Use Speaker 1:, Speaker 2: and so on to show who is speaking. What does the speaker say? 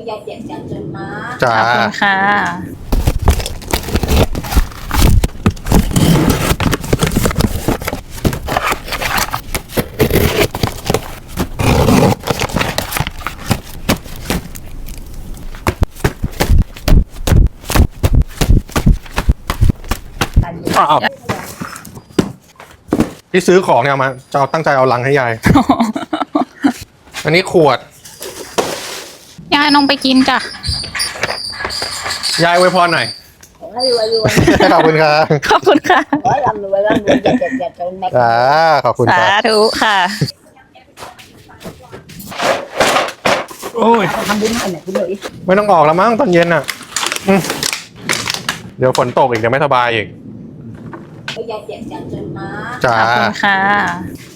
Speaker 1: ยายเสียงจังจนมา
Speaker 2: จ้า
Speaker 3: ขอบคุณค่ะ
Speaker 2: อ้าวที่ซื้อของเนี่ยมาจะเอาตั้งใจเอาลังให้ยาย อันนี้ขวด
Speaker 3: ยายน้องไปกินจ้ะ
Speaker 2: ยายอวยพรหน่อย
Speaker 1: ขอให้รวยรวย
Speaker 2: ขอบคุณครับ
Speaker 3: ขอบคุณค่ะ
Speaker 1: ขอให้ร่ำรวยอย่าจนแม็ก
Speaker 2: จ้าขอบคุณ
Speaker 3: สา
Speaker 2: ครับ
Speaker 3: ธุค่ะ
Speaker 2: โอ้ย
Speaker 1: ทำบุญให้หน่อยคุณหน่อย
Speaker 2: ไม่ต้องออกแล้วมั้งตอนเย็นอ่ะอืมเดี๋ยวฝนตกอีกเดี๋ยวไม่สบายอีก
Speaker 1: ยายเสียงจังจนมา
Speaker 2: จ้า
Speaker 3: ขอบคุณค่ะ